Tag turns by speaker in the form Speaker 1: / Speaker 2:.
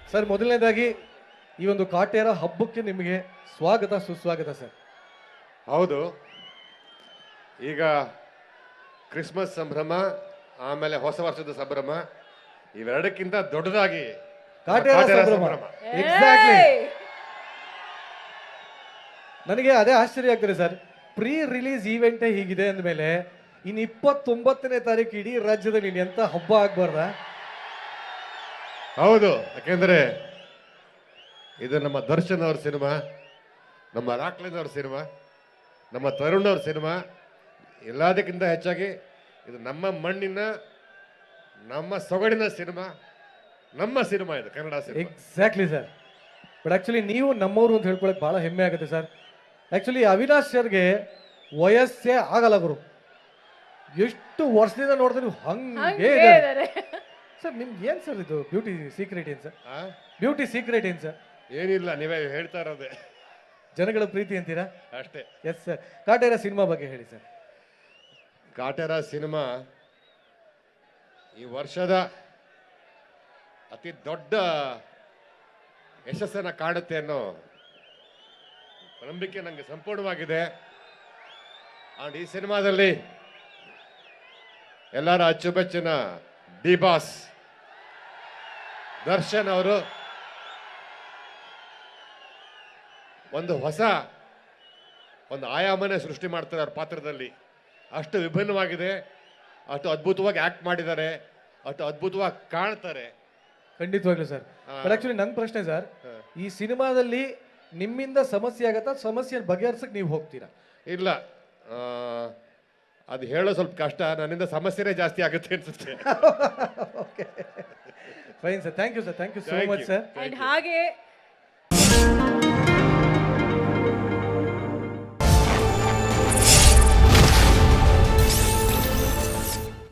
Speaker 1: Sir ಮೊದಲನೇದಾಗಿ ಈ ಒಂದು ಕಾಟೇರ ಹಬ್ಬಕ್ಕೆ ನಿಮಗೆ ಸ್ವಾಗತ ಸುಸ್ವಾಗತ ಸರ್.
Speaker 2: ಹೌದು, ಈಗ ಕ್ರಿಸ್ಮಸ್ ಸಂಭ್ರಮ ಆಮೇಲೆ ಹೊಸ ವರ್ಷದ ಸಂಭ್ರಮ ಇವೆರಡಕ್ಕಿಂತ ದೊಡ್ಡದಾಗಿ
Speaker 1: ಕಾಟೇರ ಸಂಭ್ರಮ. ಎಕ್ಸಾಕ್ಟ್ಲಿ. ನನಗೆ ಅದೇ ಆಶ್ಚರ್ಯ ಆಗ್ತದೆ ಸರ್, ಪ್ರೀ ರಿಲೀಸ್ ಈವೆಂಟೇ ಹೀಗಿದೆ ಅಂದಮೇಲೆ ಇನ್ನು 29ನೇ ತಾರೀಕು ಇಡೀ ರಾಜ್ಯದಲ್ಲಿ ಇನ್ನು ಎಂತ ಹಬ್ಬ ಆಗ್ಬಾರ್ದ?
Speaker 2: ಹೌದು, ಯಾಕೆಂದ್ರೆ ಇದು ನಮ್ಮ ದರ್ಶನ್ ಅವ್ರ ಸಿನಿಮಾ, ನಮ್ಮ ರಾಕ್ಲಿನ್ ಅವ್ರ ಸಿನಿಮಾ, ನಮ್ಮ ತರುಣ್ ಅವ್ರ ಸಿನಿಮಾ. ಎಲ್ಲದಕ್ಕಿಂತ ಹೆಚ್ಚಾಗಿ ಇದು ನಮ್ಮ ಮಣ್ಣಿನ ನಮ್ಮ ಸೊಗಡಿನ ಸಿನಿಮಾ, ನಮ್ಮ ಸಿನಿಮಾ, ಇದು Kannada cinema.
Speaker 1: Exactly sir. But actually ನೀವು ನಮ್ಮವರು ಅಂತ ಹೇಳ್ಕೊಳಕ್ ಬಹಳ ಹೆಮ್ಮೆ ಆಗುತ್ತೆ ಸರ್. ಆಕ್ಚುಲಿ ಅವಿನಾಶ್ ಸರ್ಗೆ ವಯಸ್ಸೇ ಆಗಲ್ಲ ಗುರು, ಎಷ್ಟು ವರ್ಷದಿಂದ ನೋಡಿದ್ರೆ ನೀವು ಹಂಗೆ ಇದ್ದಾರೆ ಸರ್. ನಿಮ್ಗೆ ಏನ್ ಸರ್ ಇದು ಬ್ಯೂಟಿ ಸೀಕ್ರೆಟ್ ಏನ್ ಸರ್? ಬ್ಯೂಟಿ ಸೀಕ್ರೆಟ್ ಏನ್ ಸರ್?
Speaker 2: ಏನಿಲ್ಲ, ನೀವೇ ಹೇಳ್ತಾ ಇರೋದೇ,
Speaker 1: ಜನಗಳ ಪ್ರೀತಿ ಅಂತೀರಾ?
Speaker 2: ಅಷ್ಟೇ.
Speaker 1: Yes sir. ಕಾಟೇರ ಸಿನಿಮಾ ಬಗ್ಗೆ ಹೇಳಿ ಸರ್.
Speaker 2: ಕಾಟೇರ ಸಿನಿಮಾ ಈ ವರ್ಷದ ಅತಿ ದೊಡ್ಡ ಯಶಸ್ಸನ್ನು ಕಾಡುತ್ತೆ ಅನ್ನೋ ನಂಬಿಕೆ ನನಗೆ ಸಂಪೂರ್ಣವಾಗಿದೆ. ಅಂಡ್ ಈ ಸಿನಿಮಾದಲ್ಲಿ ಎಲ್ಲರ ಅಚ್ಚುಮೆಚ್ಚಿನ ಡಿ ಬಾಸ್ ದರ್ಶನ್ ಅವರು ಒಂದು ಹೊಸ ಆಯಾಮನೇ ಸೃಷ್ಟಿ ಮಾಡ್ತಾರೆ ಅವ್ರ ಪಾತ್ರದಲ್ಲಿ. ಅಷ್ಟು ವಿಭಿನ್ನವಾಗಿದೆ, ಅಷ್ಟು ಅದ್ಭುತವಾಗಿ ಆಕ್ಟ್ ಮಾಡಿದ್ದಾರೆ, ಅಷ್ಟು ಅದ್ಭುತವಾಗಿ ಕಾಣ್ತಾರೆ.
Speaker 1: ಖಂಡಿತವಾಗ್ಲೂ ಸರ್. ಬಟ್ ಆಕ್ಚುಲಿ ನನ್ನ ಪ್ರಶ್ನೆ ಸರ್, ಈ ಸಿನಿಮಾದಲ್ಲಿ ನಿಮ್ಮಿಂದ ಸಮಸ್ಯೆ ಆಗತ್ತಾ, ಸಮಸ್ಯೆ ಬಗೆಹರಿಸಕ್ ನೀವು ಹೋಗ್ತೀರಾ?
Speaker 2: ಇಲ್ಲ, ಅದು ಹೇಳೋ ಸ್ವಲ್ಪ ಕಷ್ಟ. ನನ್ನಿಂದ ಸಮಸ್ಯೆನೇ ಜಾಸ್ತಿ ಆಗುತ್ತೆ ಅನ್ಸುತ್ತೆ.
Speaker 1: Fine sir, thank you sir, thank you so much sir.
Speaker 3: And ಹಾಗೆ